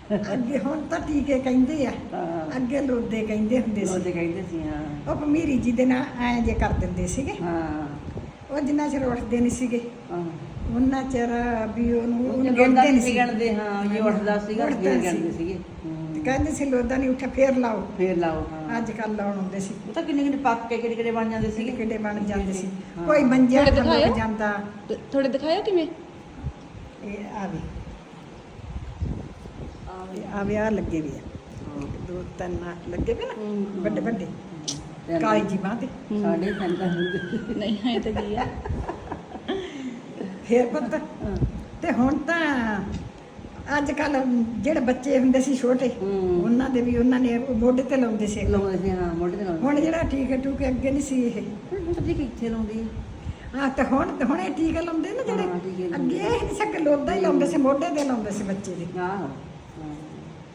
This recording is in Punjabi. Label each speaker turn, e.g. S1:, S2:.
S1: ਅੱਗੇ ਹੁਣ ਤਾਂ ਟੀਕੇ ਕਹਿੰਦੇ ਆ,
S2: ਹਾਂ
S1: ਅੱਗੇ ਲੋਦੇ ਕਹਿੰਦੇ ਹੁੰਦੇ ਸੀ।
S2: ਉਹਦੇ ਕਹਿੰਦੇ ਸੀ ਹਾਂ
S1: ਉਹ ਭਮੀਰੀ ਜੀ ਦੇ ਨਾਲ ਐਂ ਜੇ ਕਰ ਦਿੰਦੇ ਸੀਗੇ।
S2: ਹਾਂ
S1: ਉਹ ਜਿੰਨਾ ਚਿਰ ਉੱਠਦੇ ਨਹੀਂ ਸੀਗੇ
S2: ਹਾਂ
S1: ਉਹਨਾਂ ਚਿਰ ਵੀ ਉਹਨੂੰ
S2: ਉਹ
S1: ਗਿਣਦੇ ਨਹੀਂ ਸੀ।
S2: ਗਿਣਦੇ ਹਾਂ ਜੇ ਉੱਠਦਾ ਸੀਗਾ
S1: ਉੱਠਦਾ
S2: ਫਿਰ
S1: ਸੀ।
S2: ਗਿਣਦੇ ਸੀਗੇ
S1: ਤੇ ਕਹਿੰਦੇ ਸੀ ਲੋਦਾ ਨਹੀਂ ਉੱਠਿਆ ਫੇਰ ਲਾਓ।
S2: ਫੇਰ ਲਾਓ ਹਾਂ
S1: ਅੱਜ ਕੱਲ੍ਹ ਲਾਉਣ ਹੁੰਦੇ ਸੀ,
S2: ਉਹ ਤਾਂ ਕਿੰਨੇ ਕਿੰਨੇ ਪੱਕ ਕੇ ਕਿਹੜੇ ਕਿਹੜੇ ਬਣ ਜਾਂਦੇ ਸੀਗੇ
S1: ਕਿੱਡੇ ਬਣ ਜਾਂਦੇ ਸੀ।
S2: ਹਾਂ।
S1: ਕੋਈ ਮੰਜਿਆ
S3: ਥੋੜੇ
S1: ਥੱਲੇ
S3: ਦਿਖਾਇਓ।
S1: ਜਾਂਦਾ।
S3: ਥੋੜੇ ਦਿਖਾਇਓ ਕਿਵੇਂ?
S1: ਇਹ ਆਵੇ ਆ ਲੱਗੇ ਵੀ ਆ, ਦੋ ਤਿੰਨ ਲੱਗੇ ਵੀ ਨਾ ਵੱਡੇ ਵੱਡੇ ਕਾਲੀ ਜੀ ਬਾਂਹ ਤੇ।
S2: ਸਾਡੇ ਸੰਤਾਂ ਹੁੰਦੇ
S3: ਨਹੀਂ ਹੈ ਤਾਂ ਕੀ ਆ।
S1: ਫੇਰ ਪੁੱਤ ਤੇ ਹੁਣ ਤਾਂ ਅੱਜ ਕੱਲ ਜਿਹੜੇ ਬੱਚੇ ਹੁੰਦੇ ਸੀ ਛੋਟੇ ਉਹਨਾਂ ਦੇ ਵੀ ਉਹਨਾਂ ਨੇ ਮੋਢੇ ਤੇ ਲਾਉਂਦੇ ਸੀ।
S2: ਲਾਉਂਦੇ ਸੀ ਹਾਂ ਮੋਢੇ ਤੇ ਲਾਉਂਦੇ
S1: ਹੁਣ ਜਿਹੜਾ ਟੀਕੇ ਟੂਕੇ ਅੱਗੇ ਨਹੀਂ ਸੀ ਇਹ।
S2: ਪਤਾ ਕਿੱਥੇ ਲਾਉਂਦੀ
S1: ਹਾਂ ਤੇ ਹੁਣ ਇਹ ਟੀਕੇ ਲਾਉਂਦੇ ਨਾ
S2: ਹਾਂ, ਟੀਕੇ
S1: ਜਿਹੜੇ
S2: ਲਾਉਂਦੇ।
S1: ਅੱਗੇ ਇਹ ਨਹੀਂ ਸੀ ਲੋਦਾ ਹੀ ਲਾਉਂਦੇ ਸੀ, ਮੋਢੇ ਤੇ ਲਾਉਂਦੇ ਸੀ ਬੱਚੇ ਦੇ।
S2: ਆਹੋ